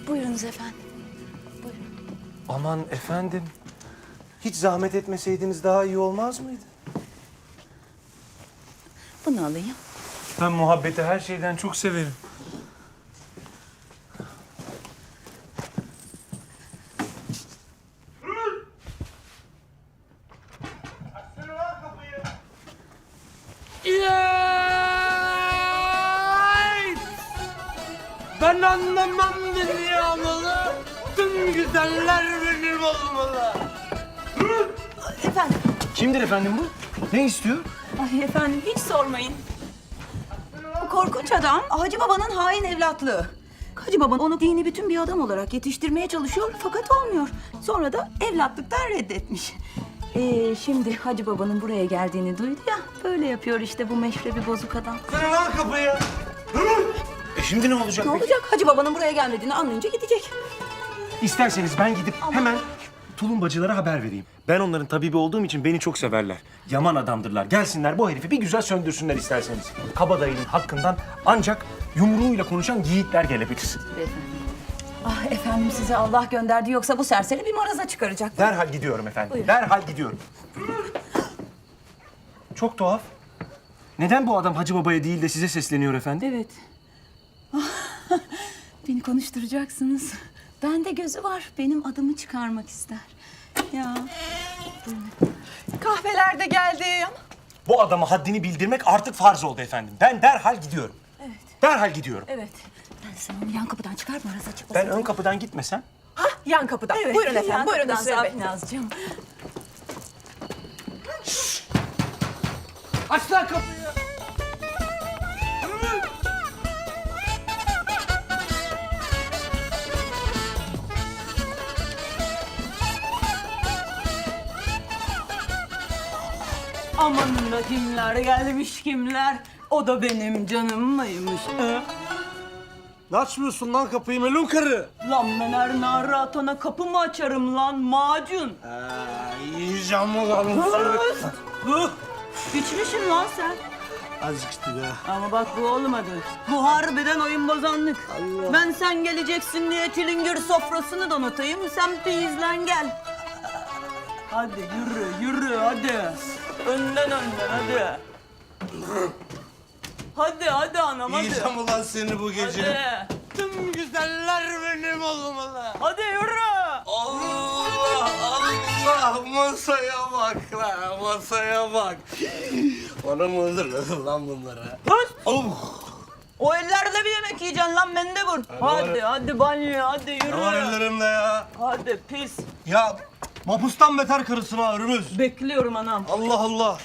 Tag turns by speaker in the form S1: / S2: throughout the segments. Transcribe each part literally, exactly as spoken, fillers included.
S1: Buyurunuz efendim. Buyurun.
S2: Aman efendim. Hiç zahmet etmeseydiniz daha iyi olmaz mıydı?
S1: Bunu alayım.
S2: Ben muhabbeti her şeyden çok severim.
S3: Ben anlamam dünyamalı, tüm güzeller benim olmalı.
S1: Efendim.
S2: Kimdir efendim bu? Ne istiyor?
S1: Ay efendim hiç sormayın. Bu korkunç adam Hacı Baba'nın hain evlatlığı. Hacı Baba onu dini bütün bir adam olarak yetiştirmeye çalışıyor fakat olmuyor. Sonra da evlatlıktan reddetmiş. Ee, şimdi Hacı Baba'nın buraya geldiğini duydu ya. Böyle yapıyor işte bu meşrebi bozuk adam.
S3: Kırın lan kapıyı.
S2: E şimdi ne olacak
S1: Ne
S2: peki?
S1: olacak? Hacı Baba'nın buraya gelmediğini anlayınca gidecek.
S2: İsterseniz ben gidip hemen tulumbacılara haber vereyim. Ben onların tabibi olduğum için beni çok severler. Yaman adamdırlar. Gelsinler bu herifi bir güzel söndürsünler isterseniz. Kabadayının hakkından ancak yumruğuyla konuşan yiğitler gelebilir.
S1: Ah efendim size Allah gönderdi yoksa bu serseri bir maraza çıkaracak.
S2: Derhal gidiyorum efendim.
S1: Buyurun.
S2: Derhal gidiyorum. Çok tuhaf. Neden bu adam Hacı Baba'ya değil de size sesleniyor efendim?
S1: Evet. Ah, beni konuşturacaksınız. Bende gözü var. Benim adımı çıkarmak ister. Ya.
S4: Kahveler de geldi.
S2: Bu adama haddini bildirmek artık farz oldu efendim. Ben derhal gidiyorum.
S1: Evet.
S2: Derhal gidiyorum.
S1: Evet. Ben sen onu yan kapıdan çıkar maraza çıkmasın.
S2: Ben ön kapıdan gitmesem
S4: Hah, yan kapıdan.
S1: Evet.
S4: Buyurun efendim,
S1: yan
S4: buyurun
S1: kapıdan
S4: Hüseyin Bey.
S1: Safinazcığım.
S3: Aç lan kapıyı.
S1: Amanın da kimler gelmiş kimler. O da benim canım mıymış? He?
S3: Ne açmıyorsun lan kapıyı melun karı?
S1: Lan ben her nara atana kapı mı açarım lan macun?
S3: Ee, yiyeceğim mi lan?
S1: Hı? İçmişsin lan sen.
S3: Azıcık işte be.
S1: Ama bak bu olmadı. Bu harbiden oyun bozanlık. Ben sen geleceksin diye çilingir sofrasını donatayım. Sen peyizlen gel. Hadi yürü yürü hadi. Önden önden hadi. Hadi hadi anam hadi.
S3: Yiyeceğim ulan seni bu gece.
S1: Hadi.
S3: Tüm güzeller benim olmalı.
S1: Hadi yürü.
S3: Allah Allah masaya bak lan masaya bak. Bana mı öldürdün lan bunları?
S1: Hız.
S3: Oh.
S1: O ellerle bir yemek yiyeceksin lan mendebur. Hadi hadi banyo hadi yürü.
S3: Ne var ellerimde ya?
S1: Hadi pis.
S3: Ya mapustan beter karısın ha Ürümüz.
S1: Bekliyorum anam.
S3: Allah Allah.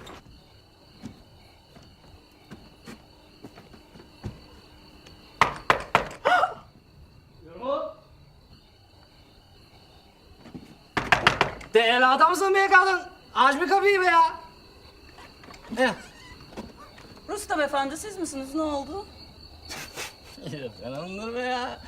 S5: Değerli adamsın be kadın. Aç bir kapıyı be ya. Eh.
S1: Rustam efendi siz misiniz? Ne oldu?
S5: Beğenmedin be ya.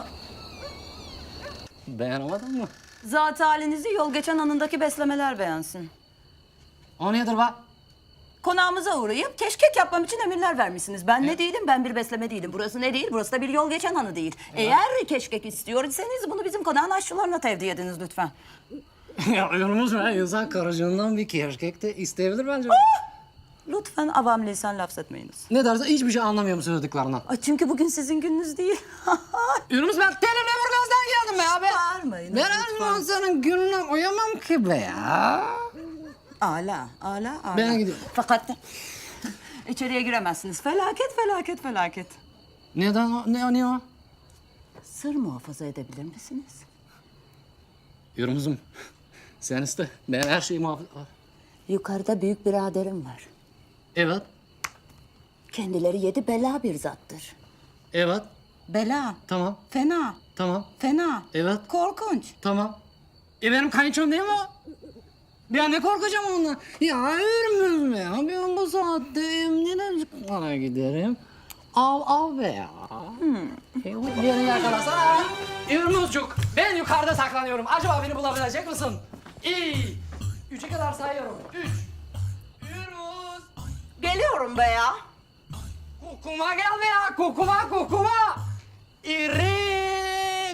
S5: Beğenemedin mi?
S1: Zat halinizi yol geçen anındaki beslemeler beğensin.
S5: O nedir be?
S1: Konağımıza uğrayıp keşkek yapmam için emirler vermişsiniz. Ben ne değilim? Ben bir besleme değilim. Burası ne değil? Burası da bir yol geçen hanı değil. Eğer keşkek istiyorsanız bunu bizim konağın aşçılarına tevdi ediniz lütfen.
S5: Ya yolumuz be. İnsan karıcığından bir keşkek de isteyebilir bence.
S1: Lütfen avam lisan laf etmeyiniz.
S5: Ne derse hiçbir şey anlamıyorum söylediklerinden.
S1: Ay çünkü bugün sizin gününüz değil.
S5: Yunus ben telimle Burgaz'dan geldim be abi.
S1: Bağırmayın
S5: Ben her zaman senin gününe uyamam ki be ya.
S1: Ala, ala, ala.
S5: Ben gidiyorum.
S1: Fakat içeriye giremezsiniz. Felaket, felaket, felaket.
S5: Neden o? Ne o? Ne o?
S1: Sır muhafaza edebilir misiniz?
S5: Yunus'um sen iste. Ben her şeyi muhafaza...
S1: Yukarıda büyük biraderim var.
S5: Evet.
S1: Kendileri yedi bela bir zattır.
S5: Evet.
S1: Bela,
S5: Tamam.
S1: fena,
S5: Tamam.
S1: fena,
S5: Evet.
S1: korkunç.
S5: Tamam. E benim kayınçom değil mi o? Ben ne korkacağım ondan? Ya Ürmüz mü ya? Ben bu saatte emniyete çıkmaya giderim. Av av be ya. Hmm. Beni yakalasana. Ürmüzcük, ben yukarıda saklanıyorum. Acaba beni bulabilecek misin? İyi. Üçe kadar sayıyorum. Üç. Ürmüz.
S1: Geliyorum be ya.
S5: Kokuma gel be ya. Kokuma kokuma. İri.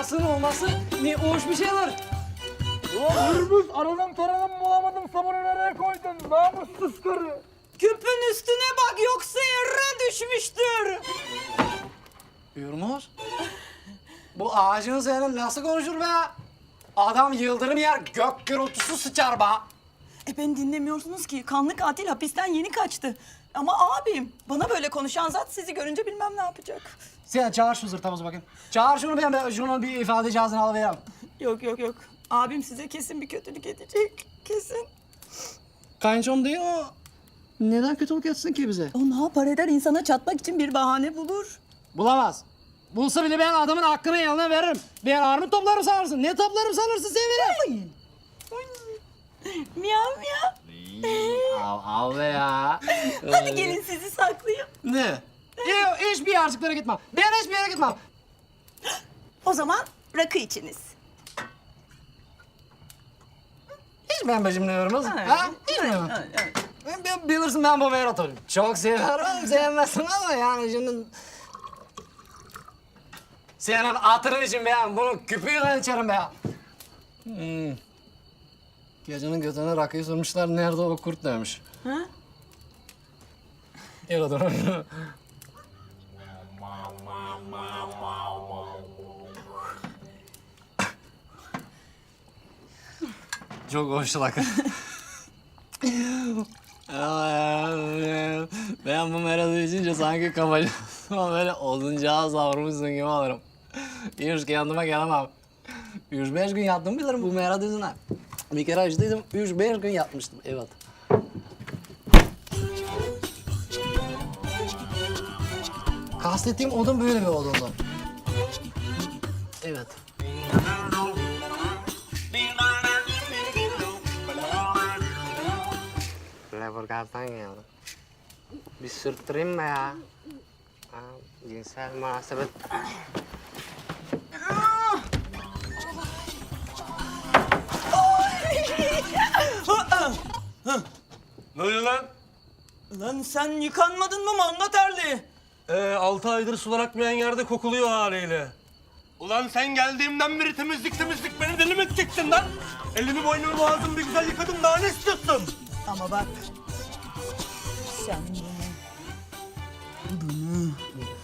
S5: yasın olması ne hoş bir şeyler.
S3: Hırbız aradım taradım bulamadım sabunu nereye koydun? Namussuz karı.
S1: Küpün üstüne bak yoksa yere düşmüştür.
S5: Yürümüz. Bu ağacın senin nasıl konuşur be? Adam yıldırım yer, gök gürültüsü sıçar be.
S1: E beni dinlemiyorsunuz ki. Kanlı katil hapisten yeni kaçtı. Ama abim bana böyle konuşan zat sizi görünce bilmem ne yapacak.
S5: Sen çağır şu zırtamızı bakayım. Çağır şunu ben, ben şunun bir ifade cihazını alıvereyim.
S1: Yok yok yok. Abim size kesin bir kötülük edecek. Kesin.
S5: Kayınçom değil o. Neden kötülük etsin ki bize?
S1: O ne yapar eder insana çatmak için bir bahane bulur.
S5: Bulamaz. Bulsa bile ben adamın hakkını eline veririm. Ben armut toplarım sanırsın. Ne toplarım sanırsın sen veririm.
S1: Miyav miyav.
S5: Av, av be ya.
S1: Hadi gelin sizi saklayayım.
S5: Ne? Yok, hiçbir yerciklara gitmem. Ben hiçbir yere gitmem.
S1: O zaman rakı içiniz.
S5: Hiç ben becimliyorum.
S1: Evet,
S5: Ha? Hiç mi?
S1: evet, evet.
S5: Ben, ben bilirsin ben bu Meyrat'ı. Çok severim, sevmezsin ama yani şimdi... Senin hatırın için ben bunu küpüyle içerim be. Hmm. Gecenin götüne rakıyı sormuşlar, nerede o kurt demiş.
S1: Ha?
S5: Öyle dur. Çok hoş rakı. Ben bu meradı içince sanki kafacı böyle oduncağa savrulmuşsun gibi olurum. Üç kendime gelemem. Üç beş gün yattım bilirim bu meradı yüzünden. Bir kere açtıydım, üç beş gün yatmıştım, evet. Kastettiğim odun böyle bir odundu. Evet. Leburgaz'dan geldim. Bir sürttüreyim mi ya? Ha, cinsel münasebet.
S3: Ne oluyor lan?
S1: Lan sen yıkanmadın mı manda terli?
S3: Ee, altı aydır sular akmayan yerde kokuluyor haliyle. Ulan sen geldiğimden beri temizlik temizlik beni deli mi edeceksin lan? Elimi boynumu boğazımı bir güzel yıkadım daha ne istiyorsun?
S1: Ama bak. Sen bunu...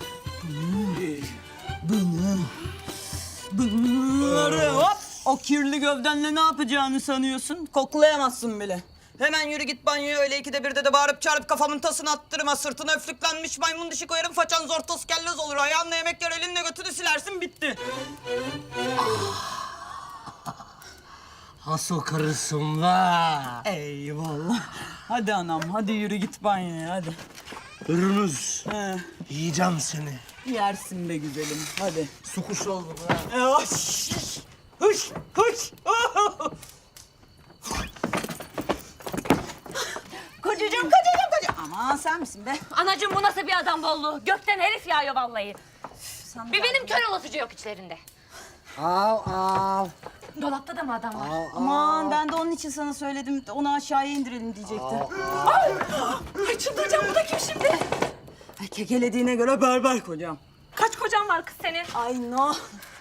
S1: Bunu... Bunu... Bunları hop! O kirli gövdenle ne yapacağını sanıyorsun? Koklayamazsın bile. Hemen yürü git banyoya öyle ikide birde de bağırıp çağırıp kafamın tasını attırma. Sırtına öflüklenmiş maymun dişi koyarım façan zor toz kellez olur. Ayağınla yemek yer elinle götünü silersin bitti.
S5: Hasıl karısın be.
S1: Eyvallah. Hadi anam hadi yürü git banyoya hadi.
S3: Hırmız.
S1: He,
S3: Yiyeceğim seni.
S1: yersin be güzelim hadi.
S3: Su kuşu oldum ha.
S1: E, Hoş! Hoş! Hoş! Kocacığım, kocacığım, kocacığım. Aman sen misin be?
S6: Anacığım bu nasıl bir adam bolluğu? Gökten herif yağıyor vallahi.
S1: Sen
S6: Bir benim kör olasıcı yok içlerinde.
S5: Av av.
S6: Dolapta da mı adam var?
S1: Aman ben de onun için sana söyledim. Onu aşağıya indirelim diyecekti.
S6: Ay çıldıracağım, bu da kim şimdi?
S1: Ay kekelediğine göre berber kocam.
S6: Kaç kocan var kız senin?
S1: Ay no.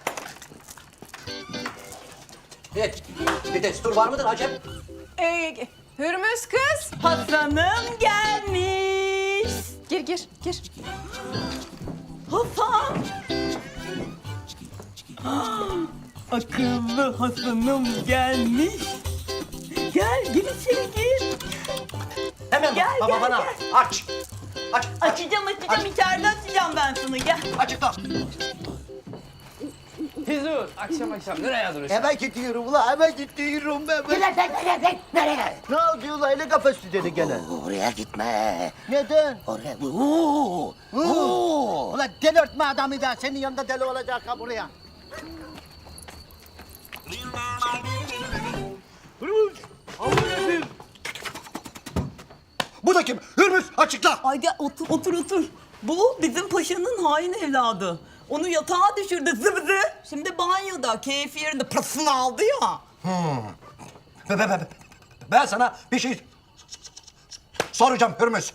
S7: Evet. Bir destur var mıdır Acem?
S1: Ee,
S4: Hürmüz kız.
S1: Hasan'ım gelmiş.
S4: Gir gir gir.
S1: Hasan. Ah, akıllı Hasan'ım gelmiş. Gel, gir içeri gir.
S7: Hemen
S1: Gel,
S7: baba
S1: gel,
S7: bana
S1: gel.
S7: aç. Aç.
S1: Açacağım, açacağım. İçeride açacağım ben sana. Gel.
S7: Açıkla.
S5: Hizur, akşam akşam nereye duruyorsun?
S8: Hemen gidiyorum ulan, hemen gidiyorum ben. ben.
S7: Nereye nereye nereye?
S8: Ne oldu ulan, öyle kafası dedi gene.
S7: Oraya gitme.
S8: Neden?
S7: Oraya. Oo. Oo.
S8: Ulan delirtme adamı da, senin yanında deli olacak ha buraya.
S7: Bu da kim? Hürmüz açıkla.
S1: Ay gel otur, otur, otur. Bu bizim paşanın hain evladı. Onu yatağa düşürdü zıbızı. Şimdi banyoda, keyfi yerinde pırasını aldı ya.
S7: Be, be, be, be. Ben sana bir şey soracağım Hürmüz.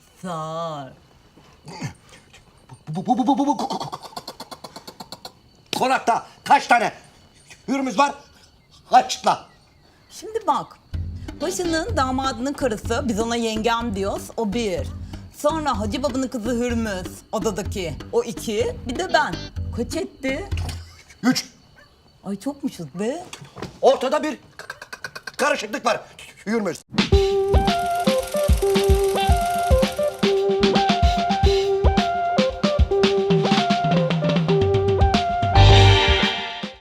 S1: Sağ ol.
S7: Bu, bu, bu, bu, bu, bu. konakta kaç tane hürmüz var? Açıkla.
S1: Şimdi bak. Paşa'nın damadının karısı, biz ona yengem diyoruz, o bir. Sonra Hacı Baba'nın kızı Hürmüz, odadaki, o iki. Bir de ben. Kaç etti?
S7: Üç.
S1: Ay çokmuşuz be.
S7: Ortada bir k- k- k- karışıklık var. Hürmüz.